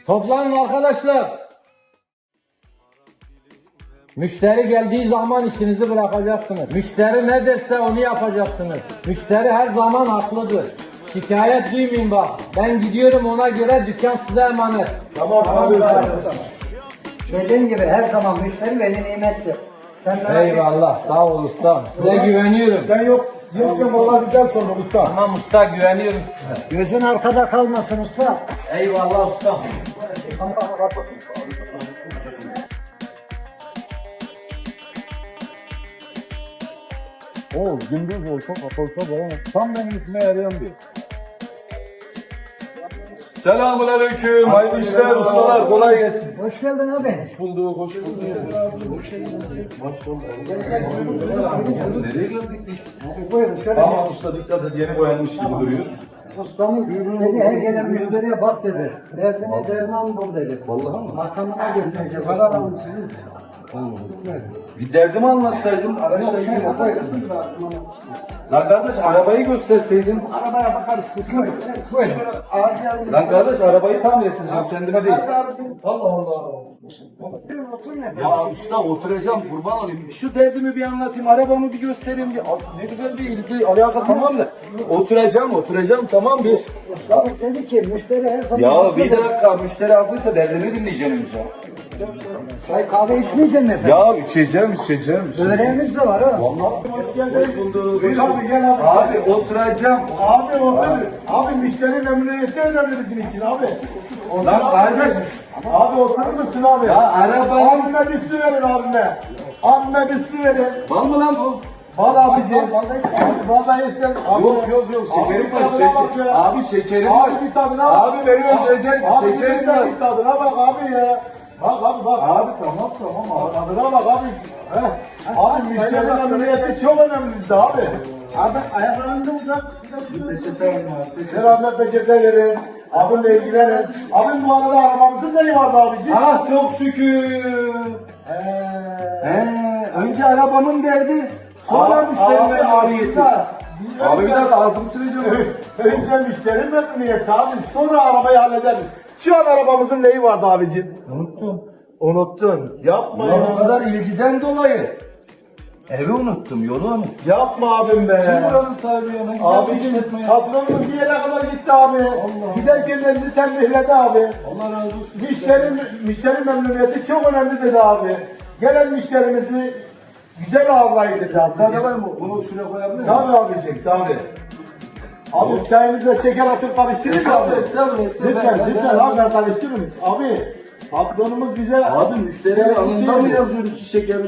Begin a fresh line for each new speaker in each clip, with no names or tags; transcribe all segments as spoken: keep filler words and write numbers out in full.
Toplanın arkadaşlar. Müşteri geldiği zaman işinizi bırakacaksınız. Müşteri ne derse onu yapacaksınız. Müşteri her zaman haklıdır. Şikayet duymayın bak. Ben gidiyorum, ona göre dükkan size emanet.
Tamam abi.
Dediğim gibi her zaman müşteri veli nimettir. Sen merak etme.
Eyvallah, sağ ol ustam. Size güveniyorum.
Sen yok, yokken vallahi güzel sordun usta.
Tamam usta, güveniyorum size.
Gözün arkada kalmasın usta.
Eyvallah ustam.
Oo, gündüz olsa kapatsa bana tam benim işime yarayan bir. Selamun aleyküm, hayırlı işler, ustalar, kolay gelsin.
Hoş geldin abi.
Hoş bulduk, hoş bulduk. Nereye geldik biz?
Abi buyurun şöyle.
Ama usta dikkat et, yeni boyanmış gibi duruyor.
Ustamız dedi her gelen müşteriye bak dedi. Derdine derman bul dedi.
Vallahi mi?
Makamına götürecek. Para almışsınız.
Bir derdimi anlatsaydın, araçla ilgili. Lan kardeş arabayı gösterseydin.
Arabaya bakarız. Buyurun. Buyurun.
Lan kardeş arabayı tamir ettireceğim, kendime değil. Allah Allah. Ya usta oturacağım, kurban olayım. Şu derdimi bir anlatayım, arabamı bir göstereyim. Bir, ne güzel bir ilgi, alaka tamam da. Oturacağım, oturacağım tamam bir.
Ustamız dedi ki müşteri her zaman...
Ya bir dakika, müşteri haklıysa derdini dinleyeceğim önce.
Çay kahve içmeyeceksin efendim.
Ya içeceğim, içeceğim.
Böreğimiz de var ha.
Vallahi hoş geldin. Hoş bulduk.
Buyur abi, gel abi.
Abi oturacağım.
Abi otur. Abi müşteri memnuniyeti önemli bizim için abi.
Lan kardeş.
Abi oturur musun abi?
Ya arabayı.
Abime bir su verin abime. Abime bir su verin.
Var mı lan bu?
Al abicim.
Vallahi istemem.
Vallahi sen. Abi.
Yok yok yok şekerim
Abi
var.
bir tadına bak
Şeker.
ya.
Abi şekerim var.
Abi bir tadına bak.
Abi beni öldürecek.
Abi
Şekerim
bir
var.
bir tadına bak abi ya. Bak abi bak.
Abi tamam tamam abi.
Tadına bak abi. Heh. Abi müşteri memnuniyeti çok önemli bizde abi. Abi ayaklarını da uzat.
Peçete var.
Ver abime peçete verin. Abimle ilgilenin. Abim bu arada arabamızın neyi vardı abiciğim?
Ah çok şükür.
Eee.
He, önce arabamın derdi. Sonra
Abi,
müşterinin
abi,
maliyeti.
aslında biz
Abi bir
önce-
dakika ağzımı sileceğim.
Önce müşteri memnuniyeti abi. Sonra arabayı hallederiz. Şu an arabamızın neyi vardı abicim?
Unuttum.
Unuttun. Yapma
Ulan o
ya.
kadar ilgiden dolayı. Evi unuttum, yolu unuttum.
Yapma abim be.
Kim buranın sahibi ya? Ben gidip
Abicim
işletmeye.
patronumuz bir yere kadar gitti abi. Giderken de bizi tembihledi abi.
Allah razı olsun.
Müşteri, müşteri memnuniyeti çok önemli dedi abi. Gelen müşterimizi güzel ağırlayın dedi abi.
Sade var mı? Bunu şuraya koyabilir miyim?
Tabii abicim tabii. Abi çayınıza şeker atıp karıştırırız abi.
Estağfurullah, estağfurullah, estağfurullah.
Lütfen
Ben-
lütfen abi ben karıştırırım. Abi patronumuz bize...
Abi müşterinin
gerekli
alnında
şey
mı
dedi.
yazıyor iki şekerin?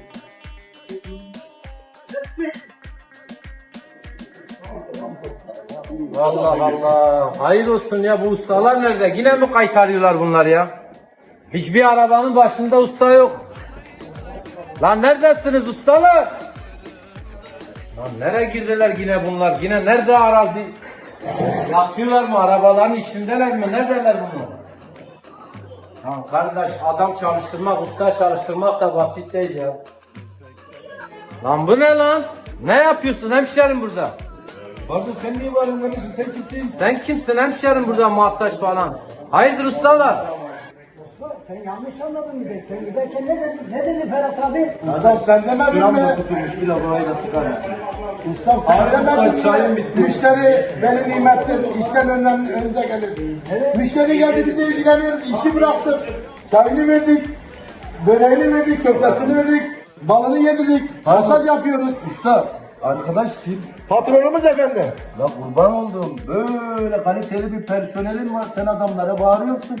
Allah Allah. Hayır olsun ya, bu ustalar nerede? Yine mi kaytarıyorlar bunlar ya? Hiçbir arabanın başında usta yok. Lan neredesiniz ustalar? Lan nereye girdiler yine bunlar? Yine nerede arazi? Yatıyorlar mı? Arabaların içindeler mi? Neredeler bunlar? Lan kardeş, adam çalıştırmak, usta çalıştırmak da basit değil ya. Lan bu ne lan? Ne yapıyorsun hemşerim burada?
Pardon sen niye varın kardeşim? Sen kimsin?
Sen kimsin hemşerim burada masaj falan? Hayırdır ustalar?
Sen yanlış anladın bizi. Sen giderken ne dedi? Ne dedi Ferhat abi?
Adam sen demedin
Şuram da
mi?
tutulmuş bir de burayı da sıkar mısın?
Ustam sen
Abi,
demedin
usta, çayım
mi?
bitti.
Müşteri benim nimettir. İşten önden önce gelir.
Evet.
Müşteri geldi bize ilgileniyoruz. İşi bıraktık. Çayını verdik. Böreğini verdik. Köftesini verdik. Balını yedirdik. Masaj yapıyoruz.
Usta, arkadaş kim?
Patronumuz efendim.
La kurban oldum. Böyle kaliteli bir personelin var. Sen adamlara bağırıyorsun.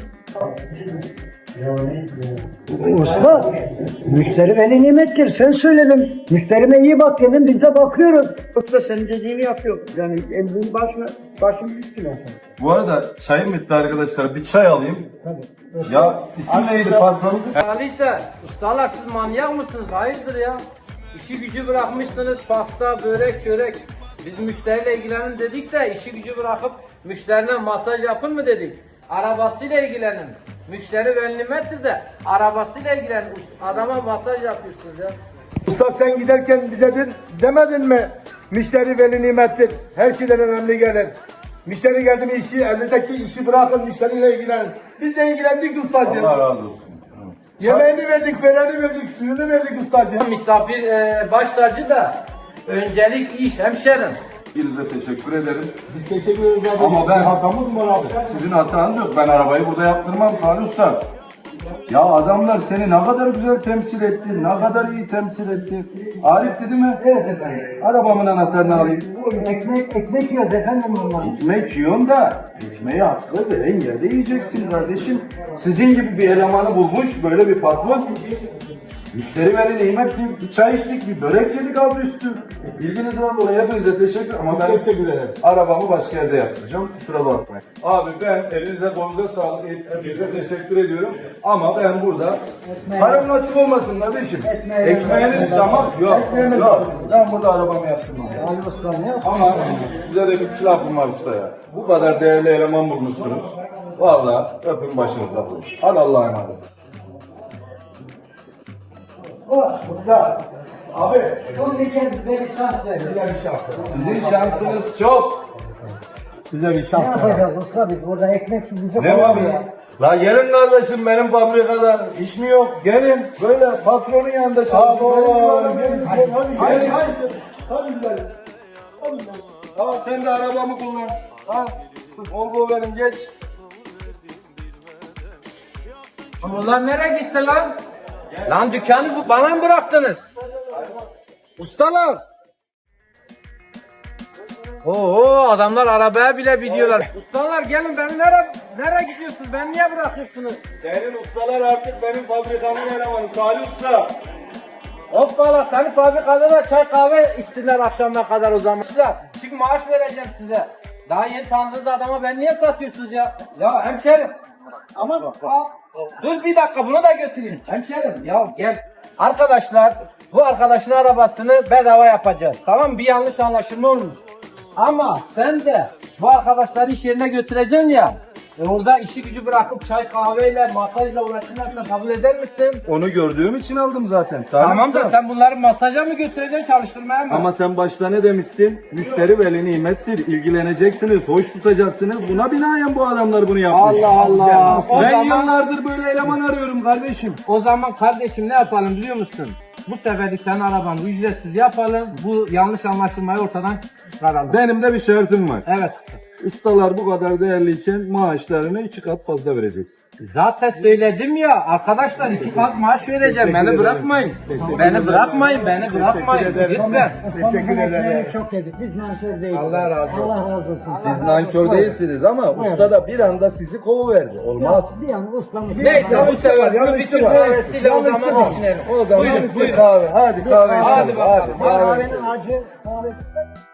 Usta, müşteri veli nimettir. Sen söyledin. Müşterime iyi bak dedin, biz de bakıyoruz. Usta senin dediğini yapıyor. Yani emrin başına, başım üstüne.
Bu arada çayım bitti arkadaşlar. Bir çay alayım. Ya isim neydi patron?
Salih'te, ustalar siz manyak mısınız? Hayırdır ya? İşi gücü bırakmışsınız, pasta, börek, çörek. Biz müşteriyle ilgilenin dedik de işi gücü bırakıp müşterine masaj yapın mı dedik? Arabasıyla ilgilenin. Müşteri veli nimettir de arabasıyla ilgilenin. Adama masaj yapıyorsunuz ya.
Usta sen giderken bize de, demedin mi? Müşteri veli nimettir. Her şeyden önemli gelir. Müşteri geldi mi işi, elinizdeki işi bırakın, müşteriyle ilgilenin. Biz de ilgilendik ustacığım.
Allah razı olsun.
Yemeğini verdik, böreğini verdik, suyunu verdik ustacığım.
Misafir e, baş tacı da öncelik iş hemşerim.
Hepinize teşekkür ederim.
Biz teşekkür ederiz abi.
Ama ben-
hatamız mı var abi?
Sizin hatanız yok. Ben arabayı burada yaptırmam Salih Usta. Ya adamlar seni ne kadar güzel temsil etti, ne kadar iyi temsil etti. Arif dedi mi?
Evet efendim.
Arabamın anahtarını alayım.
Ekmek, ekmek yiyoruz efendim onlar.
Ekmek yiyorsun da ekmeği haklı veren yerde yiyeceksin kardeşim. Sizin gibi bir elemanı bulmuş böyle bir patron. Müşteri veri nimettir. Bir çay içtik, bir börek yedik abi üstü. Bilginizden dolayı hepinize teşekkür ama ben
Teşekkür ederiz.
arabamı başka yerde yaptıracağım. Kusura bakmayın. Abi ben elinize kolunuza sağlık. Hepinize teşekkür ediyorum. Ama ben burada param nasip olmasın kardeşim. Ekmeğiniz tamam. Yok. Yok. Ben burada arabamı yaptırmam.
Ali Usta ne yaptı?
Ama size de bir lafım var usta ya. Bu kadar değerli eleman bulmuşsunuz. Vallahi öpün başınızda. Hadi Allah'a emanet.
Usta. Abi.
Son bir kez bize bir şans verin.
Bize bir şans ver.
Sizin şansınız çok.
Bize bir
Ne
şans ver.
yapacağız usta biz burada ekmeksiz bize
Ne var ya? La gelin kardeşim benim fabrikada iş mi yok? Gelin böyle patronun yanında
Abi.
çalışın. Benim
Hadi
gibi adamım.
hadi.
Gelin.
Hadi hadi güzelim. Hadi güzelim.
Al sen de arabamı kullan. Al. Volvo benim geç.
Bunlar nereye gitti lan? Lan dükkanı bu bana mı bıraktınız? Ustalar. Oo adamlar arabaya bile biniyorlar. Ustalar gelin beni nereye nereye gidiyorsunuz? Beni niye bırakıyorsunuz?
Senin ustalar artık benim fabrikamın elemanı Salih Usta.
Hoppala senin fabrikada da çay kahve içtiler akşamına kadar o zaman. Çünkü maaş vereceğim size. Daha yeni tanıdığınız adama ben niye satıyorsunuz ya? Ya hemşerim. Aman al. Dur bir dakika bunu da götüreyim. Hemşerim ya gel. Arkadaşlar bu arkadaşın arabasını bedava yapacağız. Tamam mı? Bir yanlış anlaşılma olmuş. Ama sen de bu arkadaşları iş yerine götüreceksin ya. E orada işi gücü bırakıp çay kahveyle masajla uğraşırlarsa kabul eder misin?
Onu gördüğüm için aldım zaten. Salih
Tamam da
Usta.
sen bunları masaja mı götüreceksin çalıştırmaya mı?
Ama sen başta ne demişsin? Müşteri veli nimettir. İlgileneceksiniz, hoş tutacaksınız. Buna binaen bu adamlar bunu yapmış.
Allah Allah. O
Ben
zaman,
yıllardır böyle eleman arıyorum kardeşim.
o zaman kardeşim ne yapalım biliyor musun? Bu seferlik senin arabanı ücretsiz yapalım. Bu yanlış anlaşılmayı ortadan çıkaralım.
Benim de bir şartım var.
Evet.
Ustalar bu kadar değerliyken maaşlarını iki kat fazla vereceksin.
Zaten söyledim ya arkadaşlar iki kat maaş vereceğim. Beni
ederim.
bırakmayın. Beni bırakmayın. Beni bırakmayın. Lütfen.
Teşekkür ederim. Çok yedik. Biz nankör değiliz.
Allah razı olsun.
Allah razı olsun.
Siz nankör değilsiniz ama usta da bir anda sizi kovuverdi. Olmaz.
Bir an ustamız.
Neyse bu sefer bu
yanlışı
bütün
var.
kahvesiyle o
Yanlışı
zaman
var.
düşünelim.
O zaman
Buyurun,
size
buyurun.
kahve. Hadi kahve
Hadi
içelim.
bakalım.
Hadi kahve
Kahvenin
içelim.
acı kahve.